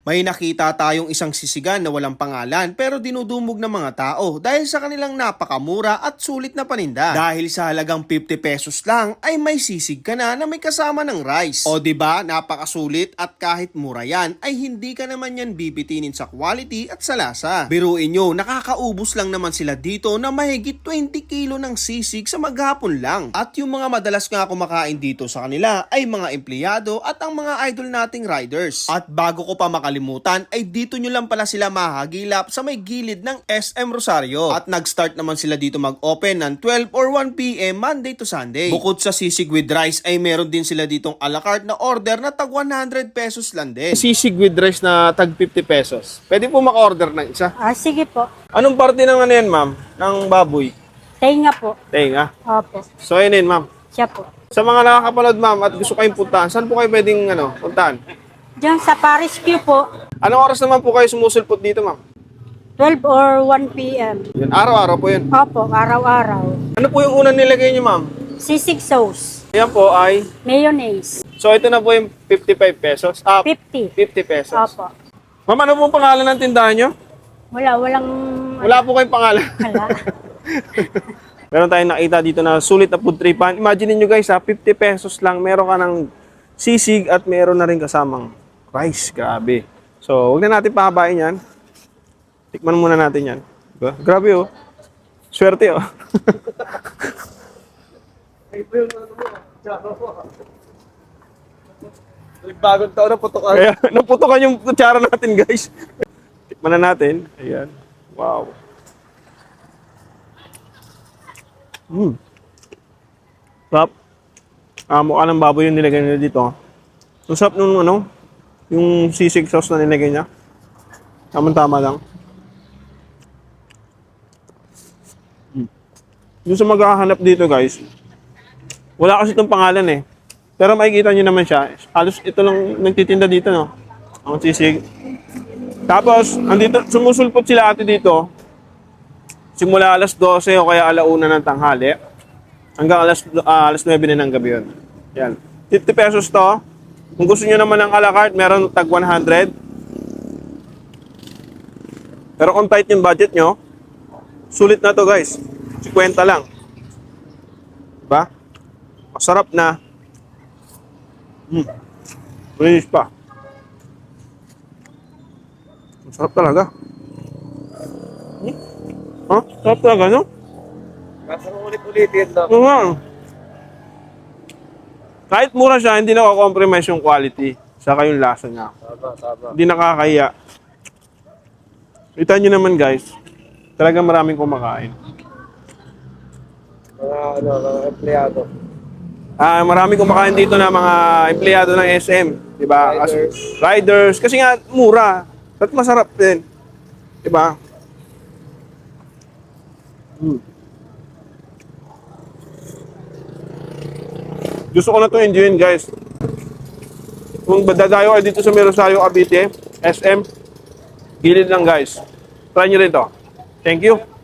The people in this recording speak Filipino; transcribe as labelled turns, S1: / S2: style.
S1: May nakita tayong isang sisigan na walang pangalan pero dinudumog ng mga tao dahil sa kanilang napakamura at sulit na paninda. Dahil sa halagang 50 pesos lang ay may sisig ka na may kasama ng rice. O diba, napakasulit at kahit mura yan ay hindi ka naman yan bibitinin sa quality at sa lasa. Biruin nyo, nakakaubos lang naman sila dito na mahigit 20 kilo ng sisig sa maghapon lang. At yung mga madalas nga kumakain dito sa kanila ay mga empleyado at ang mga idol nating riders. At bago ko pa makalimutan ay dito nyo lang pala sila mahagilap sa may gilid ng SM Rosario. At nag-start naman sila dito mag-open ng 12 or 1 PM Monday to Sunday. Bukod sa sisig with rice ay meron din sila ditong a la carte na order na tag 100 pesos lang din.
S2: Sisig with rice na tag 50 pesos. Pwede po maka-order ng isa.
S3: Sige po.
S2: Anong parte ng ano yan, ma'am? Ng baboy?
S3: Tenga po.
S2: Tenga.
S3: Opo.
S2: So, yun yun, ma'am.
S3: Siya po.
S2: Sa mga nakakapanood, ma'am, at gusto kayong puntahan, saan po kayo pwedeng puntahan?
S3: Diyan sa Paris Q po,
S2: Anong oras naman po kayo sumusulpot dito, ma'am?
S3: 12 or 1 PM.
S2: Yun, araw-araw po yun.
S3: Opo, araw-araw.
S2: Ano po yung unang nilagay niyo, ma'am?
S3: Sisig sauce.
S2: Yan po ay...
S3: Mayonnaise.
S2: So, ito na po yung 55 pesos.
S3: 50.
S2: 50 pesos.
S3: Opo.
S2: Ma'am, ano pong pangalan ng tindahan nyo?
S3: Walang...
S2: Wala po kayong pangalan.
S3: Wala.
S2: Meron tayong nakita dito na sulit na food tripan. Imagine niyo guys, 50 pesos lang. Meron ka ng sisig at meron na rin kasamang rice. Grabe. So, huwag na natin pahabain yan. Tikman muna natin yan. Diba? Grabe oh. Swerte oh.
S1: Bagong taon na putok.
S2: Kaya, naputokan yung kutsara natin guys. Tikman na natin. Ayan. Wow. Sarap. Mukha ng baboy yung nilagay nila dito. So, sarap nung yung sisig sauce na nilagay niya. Tama-tama lang. Yung sa maghahanap dito guys, wala kasi itong pangalan eh. Pero makikita nyo naman siya. Halos ito lang nagtitinda dito, no? Ang sisig. Tapos, andito, sumusulpot sila ate dito. Simula alas 12 o kaya alauna ng tanghali. Hanggang alas 9 na ng gabi yun. Yan. 50 pesos to. Kung gusto nyo naman ng a la carte, meron tag 100. Pero kung tight yung budget nyo, sulit na to guys. 50 lang. Diba? Masarap na. Malinis pa. Masarap talaga. Sarap talaga, no?
S1: Kasi ulit-ulitin lang.
S2: Kahit mura siya, hindi nakakompromise yung quality. Saka yung lasa niya.
S1: Tama.
S2: Hindi nakakaya. Kita nyo naman guys, talagang maraming kumakain.
S1: Mga empleyado.
S2: Maraming kumakain dito na mga empleyado ng SM. Diba? Riders. Kasi nga, mura. At masarap din. Diba? Gusto ko na ito enjoyin guys. Kung dadayo kayo dito sa Rosario, Cavite, SM, gilid lang guys. Try nyo rin to. Thank you.